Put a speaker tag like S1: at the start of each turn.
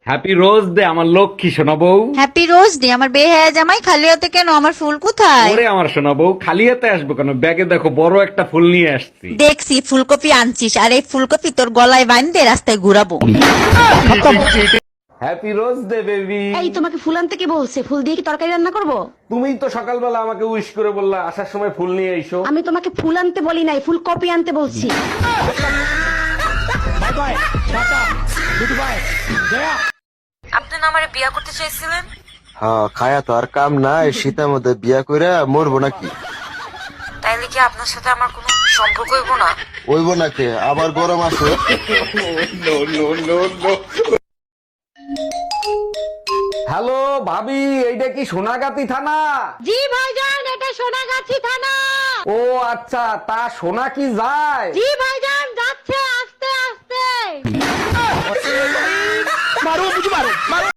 S1: Happy rose day আমার লক্ষ্মী সোনা বউ।
S2: হ্যাপি রোজ ডে আমার বেহায়া জামাই, খালি হাতে কেন? আমার ফুল কোথায়?
S1: ওরে আমার সোনা বউ, খালি হাতে আসবো কেন? ব্যাগে দেখো বড় একটা ফুল নিয়ে আসছি।
S2: দেখছি ফুলকপি আনছিস, আর এই ফুলকপি তোর গলায় বাঁধতে রাস্তায় ঘুরাবো।
S1: Happy rose day baby.
S3: এই তোমাকে ফুল আনতে কে বলছে? ফুল দিয়ে কি তরকারি রান্না করব?
S1: তুমিই তো সকালবেলা আমাকে উইশ করে বললা আসার সময় ফুল নিয়ে এসো।
S3: আমি তোমাকে ফুল আনতে বলি নাই, ফুল কপি আনতে বলছি।
S2: আপনি না আমারে বিয়া করতে চাইছিলেন?
S4: হ্যাঁ, খায়া তো আর কাম নাই, শীতের মধ্যে বিয়া কইরা মরবো নাকি?
S2: তাইলে কি আপনার সাথে আমার কোনো সম্পর্ক হইব না?
S4: ওইব নাকি? আবার গরম আছে।
S1: হ্যালো ভাবি, এইটা কি সোনাগাতি থানা?
S3: জি ভাইজান, এটা সোনাগাছি থানা।
S1: ও আচ্ছা, তা সোনা কি যায়?
S3: জি ভাইজান, যাচ্ছে আস্তে আস্তে।